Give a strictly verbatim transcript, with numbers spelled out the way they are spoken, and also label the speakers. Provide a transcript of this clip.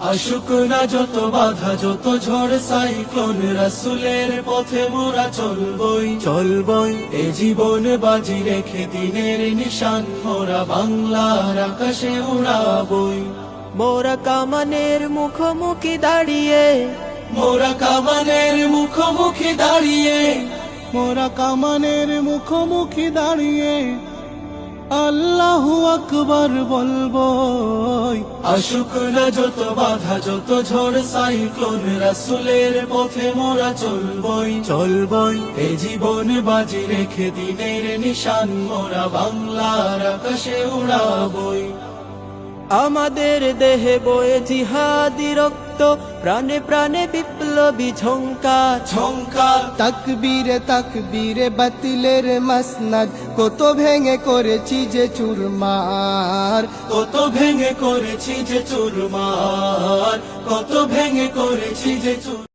Speaker 1: আসুক না যত বাধা যত ঝড় সাইক্লোন, রাসূলের পথে মোরা চলবই চলবই এ জীবন বাজি রেখে দিনের নিশান মোরা বাংলার আকাশে উড়াবই।
Speaker 2: মোরা কামানের মুখোমুখি দাঁড়িয়ে,
Speaker 1: মোরা কামানের মুখোমুখি দাঁড়িয়ে,
Speaker 3: মোরা কামানের মুখোমুখি দাঁড়িয়ে আল্লাহু আকবার বলবো।
Speaker 1: আসুক না যত বাধা যত ঝড় সাইক্লোন, রাসূলের পথে মোরা চলবই চলবই এ জীবন বাজি রেখে দিনের নিশান মোরা বাংলার আকাশে উড়াবই।
Speaker 2: আমাদের দেহে বয়ে জিহাদি রক্ত, প্রাণে প্রাণে বিপ্লবী ঝঙ্কার
Speaker 1: ঝঙ্কার
Speaker 3: তাকবীরে তাকবীরে বাতিলের মাসনাদ, কত ভেঙে করেছি যে চুরমার,
Speaker 1: কত ভেঙে করেছি যে চুরমার, কত ভেঙে করেছি যে চুর